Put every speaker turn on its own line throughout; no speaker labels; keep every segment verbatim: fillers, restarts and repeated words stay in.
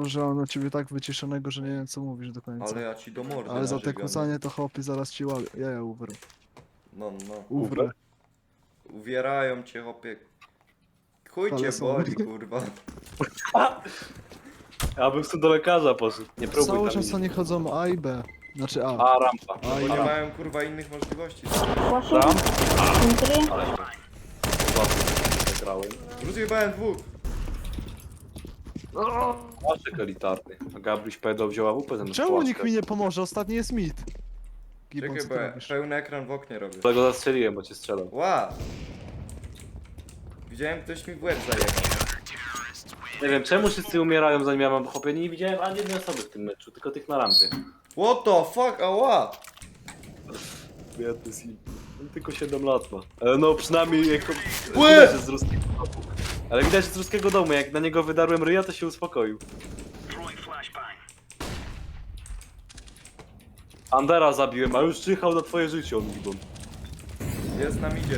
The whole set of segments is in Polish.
to, że mam na ciebie tak wyciszonego, że nie wiem co mówisz do końca.
Ale ja ci do mordy
Ale za te
narzygam.
kłócanie to chłopie zaraz ci łapię. Ja, ja uwrę.
No, no.
Uwrę.
Uwierają cię, chłopie. Chuj cię
Ale są-
boli, kurwa.
Ja bym sobie do lekarza poszedł. Nie próbuj
Cały
tam
czas oni
iść.
chodzą A i B. Znaczy A.
A, rampa.
A
Bo
i
nie
B.
mają, kurwa, innych możliwości.
Flashing.
Ram?
Entry.
Ale się... Zagrałem.
Rozjebałem dwóch.
Płaszczyk elitarny. A Gabryś pedał wzięła W P zamiast
Czemu
płaszczka.
nikt mi nie pomoże? Ostatni jest mid. Gibbon,
Czekaj,
co
bo
ty
ja
robisz?
pełny ekran w oknie robię.
Dlatego zastrzeliłem, bo cię strzelał.
Ła! Widziałem, ktoś mi w łeb zajebał.
Nie wiem, czemu wszyscy umierają zanim ja mam chłopie. Nie widziałem ani jednej osoby w tym meczu, tylko tych na rampie.
What the fuck, ała!
Biedny Sim. On tylko siedem lat ma. Ale no przynajmniej jako...
Łe!
Widać, że z ruskiego domu. Ale widać, że z ruskiego domu. Jak na niego wydarłem ryja, to się uspokoił. Andera zabiłem, a już czyhał na twoje życie, on Gibbon.
Jest nam idzie.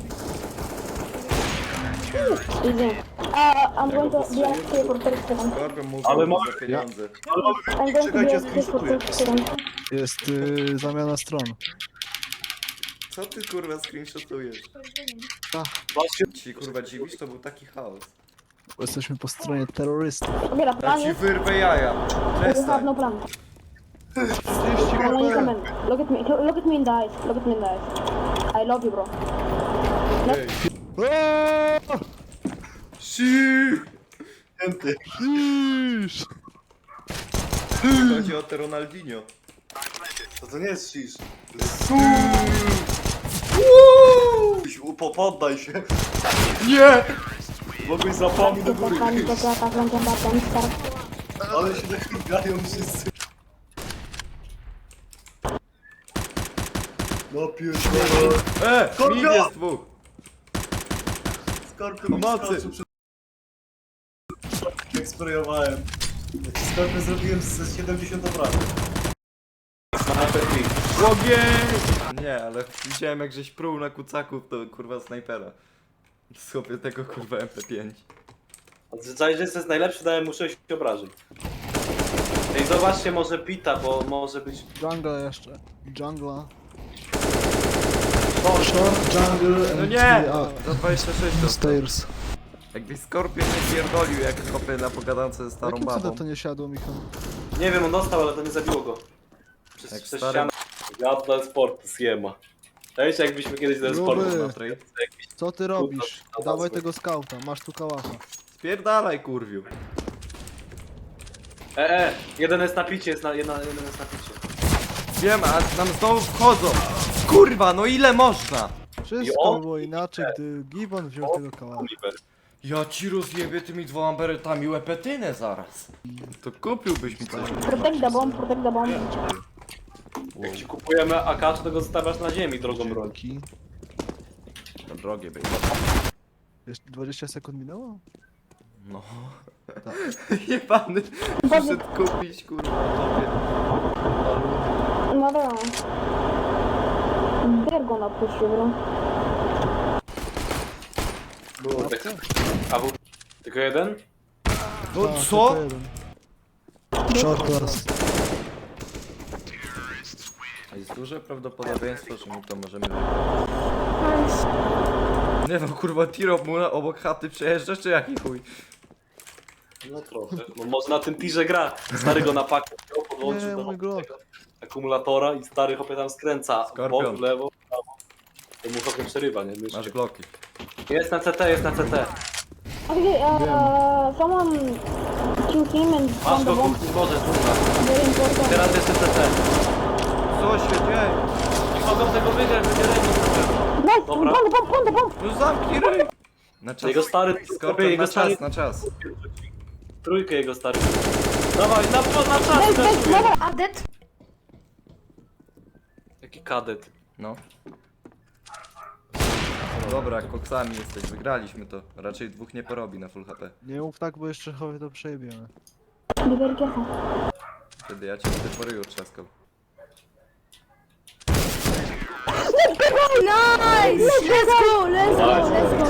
Easy. Uh, I'm going to be active for thirty seconds.
Skorpion mówił
Ale
Ale
mamy-
za pieniądze.
Ale mamy
I'm going to be
Czekajcie,
active for
screenshotuję.
thirty seconds.
Jest y, zamiana stron.
Co ty, kurwa, screenshotujesz?
Właśnie...
Ci, kurwa, dziwisz? To był taki chaos.
Bo jesteśmy po stronie terrorystów.
Okay, the
Ja
plan
ci
is
wyrwę jaja.
we have
Przestań.
no plan.
trzydzieści
Come on, come
HP!
on. Look at me. Look at me in the eyes. Look at me in the eyes. I love you, bro.
Ej.
Eee!
Siii!
Iż!
Chodzi o te Ronaldinho.
To to nie jest shish. Po, poddaj się.
Nie!
Mogłeś zapomnieć do
The
góry.
plan is to attack long and back and start.
Ale się nachygają wszyscy. No pierdolę.
E!
Skorpion!
Mid jest dwóch!
Skorpion mi
Pomocy!
skoczył przed... Jak sprayowałem. Skorpion zrobiłem z siedemdziesiąt obrażeń.
Ogień! Nie, ale widziałem jak żeś pruł na kucaków, to kurwa snajpera. Sobie tego kurwa M P pięć.
Zazwyczaj, że jest najlepszy, dałem mu sześć obrażeń. Ej, zobaczcie może Pita, bo może być...
Jungle jeszcze. Jungla.
O,
Short, jungle
No
and
nie!
the- a,
Za dwadzieścia sześć dostał.
Stairs.
Jakbyś Skorpion nie pierdolił jak kopie na pogadance ze starą
Jakim
babą.
cudem to nie siadło, Michał?
nie wiem, on dostał, ale to nie zabiło go. Przez,
Jak
przez
stary-
ścianę. Ja dla sportu zjema. Cześć, jakbyśmy kiedyś dla
Gruby.
sportu
Na trade.
Co ty robisz?
to
Dawaj
łatwo.
tego skauta, masz tu kałacha.
Spierdalaj kurwiu.
E, e, jeden jest na picie, jest na, jedna, jeden jest na picie.
Wiem, a nam znowu wchodzą. Kurwa, no ile można?
Wszystko
on-
było inaczej, gdy Gibbon wziął tego kałacha.
Oliver.
Ja ci rozjebię tymi dwoma beretami łepetynę zaraz. To kupiłbyś mi coś.
Protect the bomb. Protect the bomb.
Jak ci kupujemy A K, to tego zostawiasz na ziemi, drogą broń.
Dzięki.
To drogie będzie.
Jeszcze dwadzieścia sekund minęło?
No.
Tak.
Jebany. Przyszedł kupić kurwa tobie.
No dobra. They're gonna push you, bro.
Kurde. A był tylko jeden?
No
Tak,
co?
tylko jeden. Short class.
Jest duże prawdopodobieństwo, że my to możemy wygrać.
Nice.
Nie no kurwa, tiro mu na- obok chaty przejeżdża, czy jaki chuj?
No trochę. No może na tym tirze gra. Stary go na pakę wziął,
Nie,
podłączył do
mój Glock.
tego akumulatora i stary chłopie tam skręca. W
Skorpion.
bok, w lewo, w prawo. To mu chłopie przerywa, nie? Myszkę.
Masz bloki.
Jest na C T, jest na C T.
Okay, uh, someone shoot him and
Masz
found the
go,
bomb.
kuchni, Boże, kurwa.
Very important.
Teraz jeszcze C T.
Co się dzieje?
Nie mogą tego wygrać, będzie remis na pewno.
Nice.
Dobra.
Found the bomb. Found the bomb.
No zamknij ryj! Na czas.
Jego stary, chłopie,
Skorpion,
jego
na
stary...
czas, na czas.
Trójkę jego stary. Dawaj, na, na czas!
Guys, guys,
Guys,
never are dead.
Jaki kadet.
No. Dobra, koksami jesteś, wygraliśmy to. Raczej dwóch nie porobi na full H P.
Nie mów tak, bo jeszcze chowie to przejebiemy.
Be very careful.
Wtedy ja cię wtedy po ryju trzaskał.
Nice. Let's go. Let's go. Let's go.